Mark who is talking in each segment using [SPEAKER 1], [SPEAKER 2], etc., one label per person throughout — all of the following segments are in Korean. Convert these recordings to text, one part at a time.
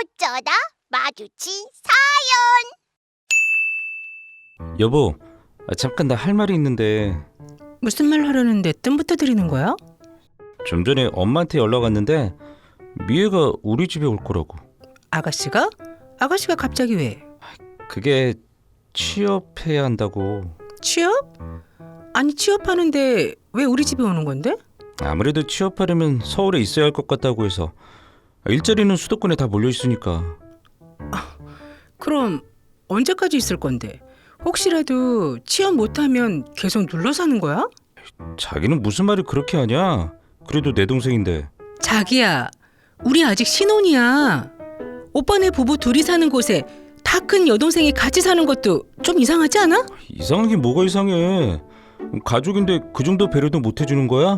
[SPEAKER 1] 어쩌다 마주친
[SPEAKER 2] 여보, 잠깐 나 할 말이 있는데.
[SPEAKER 3] 무슨 말 하려는데 뜸부터 들이는 거야?
[SPEAKER 2] 좀 전에 엄마한테 연락 왔는데 미애가 우리 집에 올 거라고.
[SPEAKER 3] 아가씨가? 아가씨가 갑자기 왜?
[SPEAKER 2] 그게 취업해야 한다고.
[SPEAKER 3] 취업? 아니 취업하는데 왜 우리 집에 오는 건데?
[SPEAKER 2] 아무래도 취업하려면 서울에 있어야 할 것 같다고 해서. 일자리는 수도권에 다 몰려 있으니까.
[SPEAKER 3] 그럼 언제까지 있을 건데? 혹시라도 취업 못하면 계속 눌러 사는 거야?
[SPEAKER 2] 자기는 무슨 말을 그렇게 하냐? 그래도 내 동생인데.
[SPEAKER 3] 자기야, 우리 아직 신혼이야. 오빠네 부부 둘이 사는 곳에 다 큰 여동생이 같이 사는 것도 좀 이상하지 않아?
[SPEAKER 2] 이상하긴 뭐가 이상해. 가족인데 그 정도 배려도 못 해주는 거야?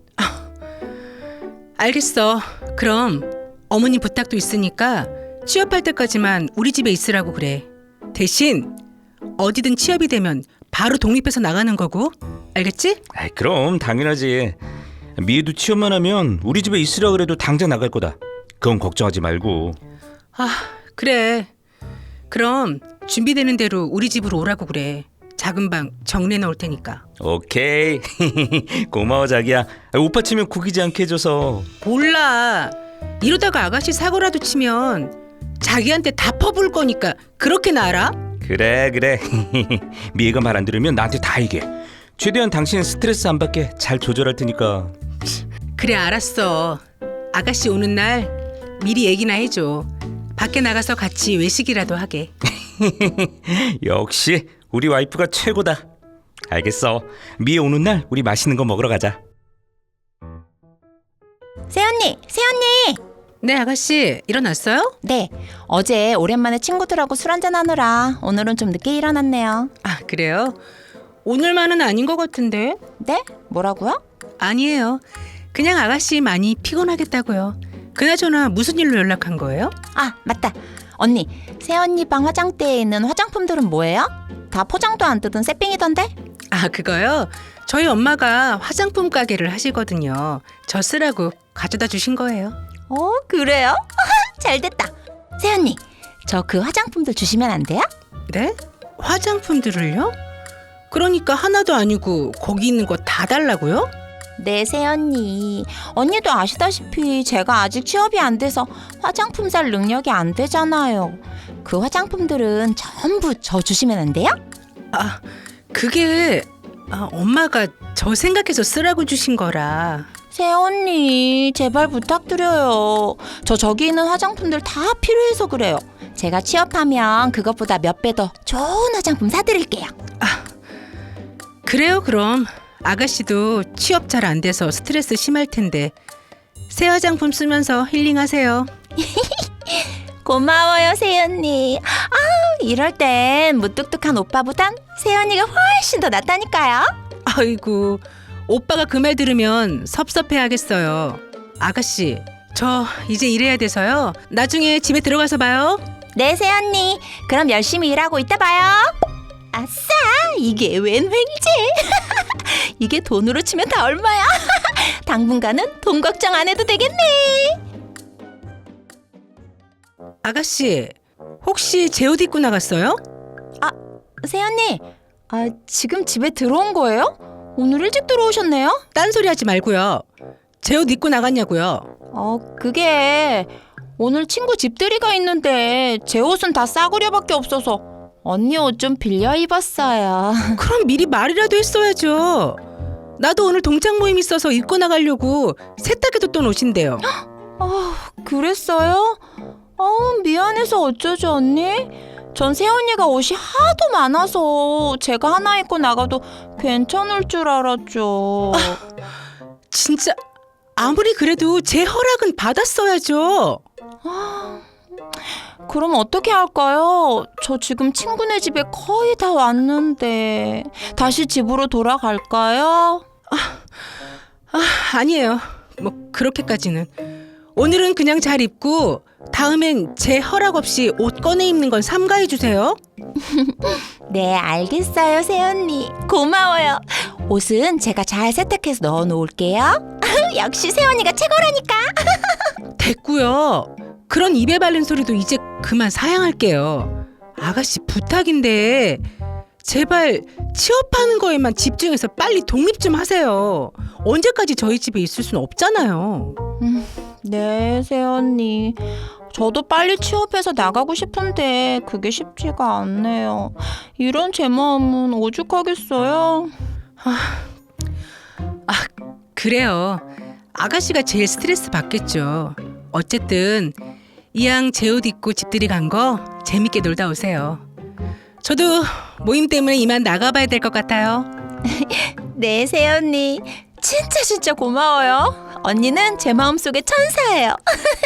[SPEAKER 3] 알겠어. 그럼 어머니 부탁도 있으니까 취업할 때까지만 우리 집에 있으라고 그래. 대신 어디든 취업이 되면 바로 독립해서 나가는 거고. 알겠지?
[SPEAKER 2] 아이, 그럼 당연하지. 미애도 취업만 하면 우리 집에 있으라 그래도 당장 나갈 거다. 그건 걱정하지 말고.
[SPEAKER 3] 아, 그래. 그럼 준비되는 대로 우리 집으로 오라고 그래. 작은 방 정리해 놓을 테니까.
[SPEAKER 2] 오케이. 고마워 자기야. 오빠 치면 구기지 않게 해줘서.
[SPEAKER 3] 몰라. 이러다가 아가씨 사고라도 치면 자기한테 다 퍼부을 거니까 그렇게는 알아?
[SPEAKER 2] 그래. 미애가 말 안 들으면 나한테 다 얘기해. 최대한 당신 스트레스 안 받게 잘 조절할 테니까.
[SPEAKER 3] 그래, 알았어. 아가씨 오는 날 미리 얘기나 해줘. 밖에 나가서 같이 외식이라도 하게.
[SPEAKER 2] 역시 우리 와이프가 최고다. 알겠어. 미애 오는 날 우리 맛있는 거 먹으러 가자.
[SPEAKER 1] 새언니.
[SPEAKER 3] 네, 아가씨 일어났어요?
[SPEAKER 1] 네, 어제 오랜만에 친구들하고 술 한잔 하느라 오늘은 좀 늦게 일어났네요.
[SPEAKER 3] 아, 그래요? 오늘만은 아닌 것 같은데.
[SPEAKER 1] 네? 뭐라고요?
[SPEAKER 3] 아니에요. 그냥 아가씨 많이 피곤하겠다고요. 그나저나 무슨 일로 연락한 거예요?
[SPEAKER 1] 아, 맞다. 언니, 새언니 방 화장대에 있는 화장품들은 뭐예요? 다 포장도 안 뜯은 새삥이던데?
[SPEAKER 3] 아, 그거요? 저희 엄마가 화장품 가게를 하시거든요. 저 쓰라고 가져다 주신 거예요.
[SPEAKER 1] 그래요? 잘됐다. 새언니, 저 그 화장품들 주시면 안 돼요?
[SPEAKER 3] 네? 화장품들을요? 그러니까 하나도 아니고 거기 있는 거 다 달라고요?
[SPEAKER 1] 네, 새언니. 언니도 아시다시피 제가 아직 취업이 안 돼서 화장품 살 능력이 안 되잖아요. 그 화장품들은 전부 저 주시면 안 돼요?
[SPEAKER 3] 아, 그게 엄마가 저 생각해서 쓰라고 주신 거라.
[SPEAKER 1] 새언니, 제발 부탁드려요. 저기 있는 화장품들 다 필요해서 그래요. 제가 취업하면 그것보다 몇 배 더 좋은 화장품 사드릴게요.
[SPEAKER 3] 그래요, 그럼. 아가씨도 취업 잘 안 돼서 스트레스 심할 텐데 새 화장품 쓰면서 힐링하세요.
[SPEAKER 1] 고마워요, 새언니. 이럴 땐 무뚝뚝한 오빠보단 새언니가 훨씬 더 낫다니까요.
[SPEAKER 3] 아이고, 오빠가 그 말 들으면 섭섭해하겠어요. 아가씨, 저 이제 일해야 돼서요. 나중에 집에 들어가서 봐요.
[SPEAKER 1] 네, 새언니. 그럼 열심히 일하고 이따 봐요. 아싸! 이게 웬 횡이지? 이게 돈으로 치면 다 얼마야? 당분간은 돈 걱정 안 해도 되겠네.
[SPEAKER 3] 아가씨, 혹시 제 옷 입고 나갔어요?
[SPEAKER 1] 새언니, 지금 집에 들어온 거예요? 오늘 일찍 들어오셨네요?
[SPEAKER 3] 딴소리 하지 말고요. 제 옷 입고 나갔냐고요.
[SPEAKER 1] 그게 오늘 친구 집들이가 있는데 제 옷은 다 싸구려밖에 없어서 언니 옷 좀 빌려 입었어요.
[SPEAKER 3] 그럼 미리 말이라도 했어야죠. 나도 오늘 동창 모임 있어서 입고 나가려고 세탁해뒀던 옷인데요.
[SPEAKER 1] 그랬어요? 미안해서 어쩌죠, 언니? 전 새언니가 옷이 하도 많아서 제가 하나 입고 나가도 괜찮을 줄 알았죠.
[SPEAKER 3] 진짜 아무리 그래도 제 허락은 받았어야죠.
[SPEAKER 1] 그럼 어떻게 할까요? 저 지금 친구네 집에 거의 다 왔는데 다시 집으로 돌아갈까요?
[SPEAKER 3] 아니에요. 뭐 그렇게까지는. 오늘은 그냥 잘 입고 다음엔 제 허락 없이 옷 꺼내 입는 건 삼가해 주세요.
[SPEAKER 1] 네, 알겠어요, 새언니. 고마워요. 옷은 제가 잘 세탁해서 넣어 놓을게요. 역시 새언니가 최고라니까.
[SPEAKER 3] 됐고요. 그런 입에 바른 소리도 이제 그만 사양할게요. 아가씨 부탁인데 제발 취업하는 거에만 집중해서 빨리 독립 좀 하세요. 언제까지 저희 집에 있을 수는 없잖아요.
[SPEAKER 1] 네, 새언니. 저도 빨리 취업해서 나가고 싶은데 그게 쉽지가 않네요. 이런 제 마음은 오죽하겠어요?
[SPEAKER 3] 그래요. 아가씨가 제일 스트레스 받겠죠. 어쨌든 이왕 제 옷 입고 집들이 간 거 재밌게 놀다 오세요. 저도 모임 때문에 이만 나가봐야 될 것 같아요.
[SPEAKER 1] 네, 새언니. 진짜 고마워요. 언니는 제 마음속의 천사예요.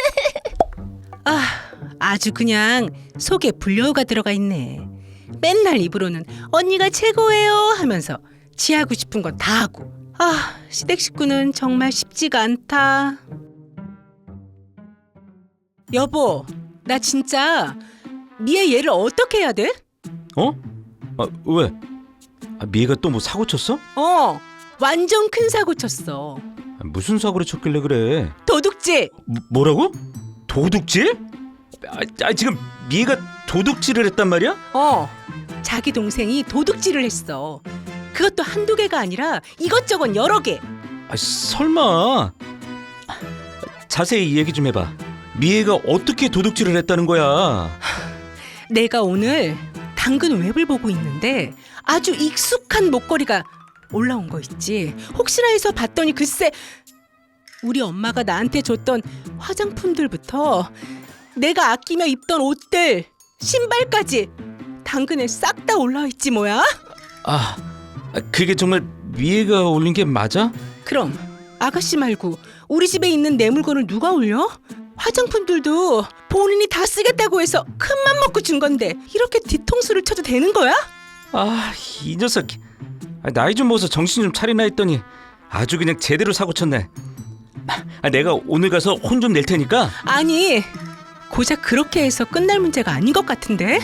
[SPEAKER 3] 아주 그냥 속에 불려가 들어가 있네. 맨날 입으로는 언니가 최고예요 하면서 지하고 싶은 건 다 하고. 시댁 식구는 정말 쉽지가 않다. 여보, 나 진짜 미애 얘를 어떻게 해야 돼?
[SPEAKER 2] 어? 왜? 미애가 또 뭐 사고 쳤어?
[SPEAKER 3] 완전 큰 사고 쳤어.
[SPEAKER 2] 무슨 사고를 쳤길래 그래?
[SPEAKER 3] 도둑질.
[SPEAKER 2] 뭐라고? 도둑질? 지금 미애가 도둑질을 했단 말이야?
[SPEAKER 3] 자기 동생이 도둑질을 했어. 그것도 한두 개가 아니라 이것저것 여러 개.
[SPEAKER 2] 설마. 자세히 얘기 좀 해봐. 미애가 어떻게 도둑질을 했다는 거야?
[SPEAKER 3] 내가 오늘 당근 웹을 보고 있는데 아주 익숙한 목걸이가 올라온 거 있지. 혹시나 해서 봤더니 글쎄 우리 엄마가 나한테 줬던 화장품들부터 내가 아끼며 입던 옷들, 신발까지 당근에 싹 다 올라와 있지 뭐야?
[SPEAKER 2] 그게 정말 미애가 올린 게 맞아?
[SPEAKER 3] 그럼 아가씨 말고 우리 집에 있는 내 물건을 누가 올려? 화장품들도 본인이 다 쓰겠다고 해서 큰맘 먹고 준 건데 이렇게 뒤통수를 쳐도 되는 거야?
[SPEAKER 2] 이 녀석. 나이 좀 먹어서 정신 좀 차리나 했더니 아주 그냥 제대로 사고 쳤네. 내가 오늘 가서 혼 좀 낼 테니까.
[SPEAKER 3] 아니, 고작 그렇게 해서 끝날 문제가 아닌 것 같은데?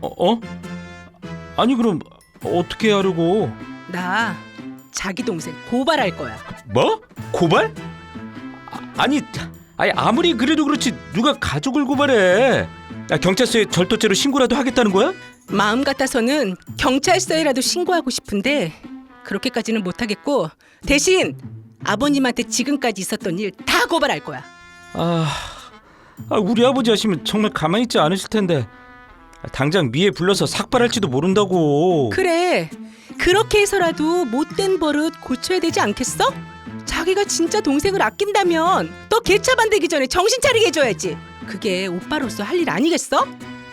[SPEAKER 2] 아니 그럼 어떻게 하려고?
[SPEAKER 3] 나 자기 동생 고발할 거야.
[SPEAKER 2] 뭐? 고발? 아니 아무리 그래도 그렇지 누가 가족을 고발해? 경찰서에 절도죄로 신고라도 하겠다는 거야?
[SPEAKER 3] 마음 같아서는 경찰서에라도 신고하고 싶은데 그렇게까지는 못하겠고 대신 아버님한테 지금까지 있었던 일 다 고발할 거야.
[SPEAKER 2] 우리 아버지 하시면 정말 가만히 있지 않으실 텐데. 당장 미애 불러서 삭발할지도 모른다고.
[SPEAKER 3] 그래, 그렇게 해서라도 못된 버릇 고쳐야 되지 않겠어? 자기가 진짜 동생을 아낀다면 너 개차 반대기 전에 정신 차리게 해줘야지. 그게 오빠로서 할 일 아니겠어?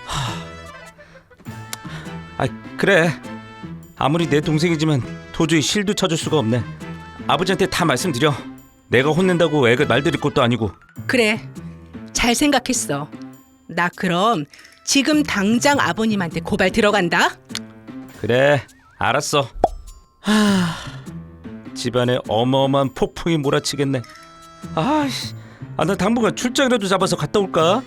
[SPEAKER 2] 그래. 아무리 내 동생이지만 도저히 실도 쳐줄 수가 없네. 아버지한테 다 말씀드려. 내가 혼낸다고 애가 말 들을 것도 아니고.
[SPEAKER 3] 그래, 잘 생각했어. 나 그럼 지금 당장 아버님한테 고발 들어간다.
[SPEAKER 2] 그래, 알았어. 집안에 어마어마한 폭풍이 몰아치겠네. 나 당분간 출장이라도 잡아서 갔다 올까?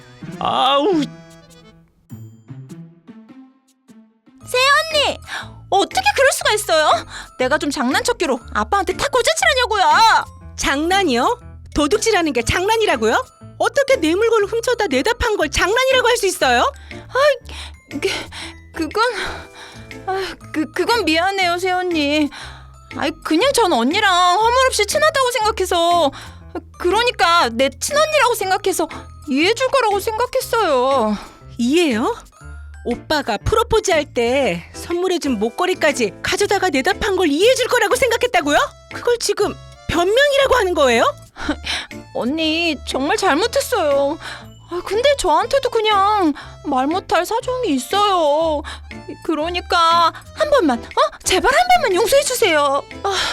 [SPEAKER 1] 새언니! 어떻게 그럴 수가 있어요? 내가 좀 장난쳤기로 아빠한테 다 고자질하냐고요.
[SPEAKER 3] 장난이요? 도둑질하는 게 장난이라고요? 어떻게 내 물건을 훔쳐다 내다 판 걸 장난이라고 할 수 있어요?
[SPEAKER 1] 그건 미안해요, 새언니. 그냥 전 언니랑 허물없이 친하다고 생각해서, 그러니까 내 친언니라고 생각해서 이해해줄 거라고 생각했어요.
[SPEAKER 3] 이해요? 오빠가 프로포즈 할 때 선물해준 목걸이까지 가져다가 내다 판 걸 이해해줄 거라고 생각했다고요? 그걸 지금 변명이라고 하는 거예요?
[SPEAKER 1] 언니 정말 잘못했어요. 근데 저한테도 그냥 말 못할 사정이 있어요. 그러니까 한 번만, 제발 한 번만 용서해 주세요.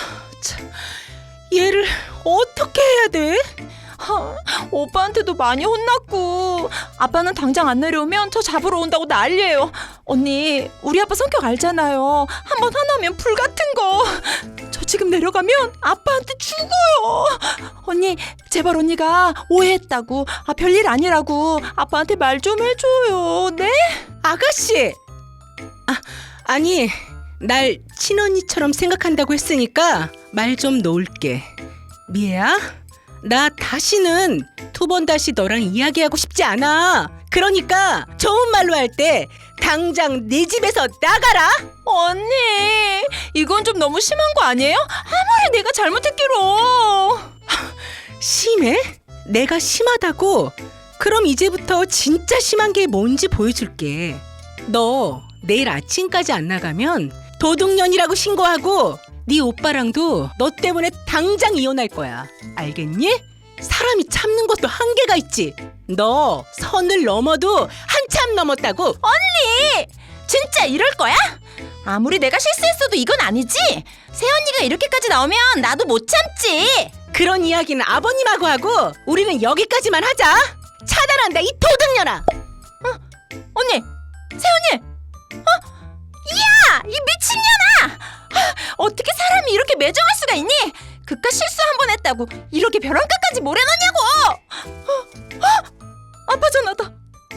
[SPEAKER 3] 얘를 어떻게 해야 돼?
[SPEAKER 1] 오빠한테도 많이 혼났고 아빠는 당장 안 내려오면 저 잡으러 온다고 난리예요. 언니 우리 아빠 성격 알잖아요. 한번 화나면 불 같은 거. 저 지금 내려가면 아빠한테 죽어요. 언니 제발 언니가 오해했다고 별일 아니라고 아빠한테 말 좀 해줘요. 네?
[SPEAKER 3] 아가씨! 아니 날 친언니처럼 생각한다고 했으니까 말 좀 놓을게. 미애야, 나 다시는 두 번 다시 너랑 이야기하고 싶지 않아. 그러니까 좋은 말로 할 때 당장 내 집에서 나가라.
[SPEAKER 1] 언니, 이건 좀 너무 심한 거 아니에요? 아무리 내가 잘못했기로.
[SPEAKER 3] 심해? 내가 심하다고? 그럼 이제부터 진짜 심한 게 뭔지 보여줄게. 너 내일 아침까지 안 나가면 도둑년이라고 신고하고 네 오빠랑도 너 때문에 당장 이혼할 거야. 알겠니? 사람이 참는 것도 한계가 있지. 너 선을 넘어도 한참 넘었다고.
[SPEAKER 1] 언니, 진짜 이럴 거야? 아무리 내가 실수했어도 이건 아니지? 새언니가 이렇게까지 나오면 나도 못 참지.
[SPEAKER 3] 그런 이야기는 아버님하고 하고 우리는 여기까지만 하자. 차단한다, 이 도둑년아.
[SPEAKER 1] 언니, 새언니. 야, 이 미친년아. 어떻게 사람이 이렇게 매정할 수가 있니? 그깟 실수 한 번 했다고 이렇게 벼랑 끝까지 모래놓냐고. 아빠 전화다.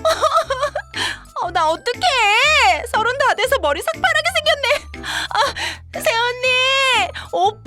[SPEAKER 1] 나 어떡해. 30 다 돼서 머리 새파랗게 생겼네. 새언니, 오빠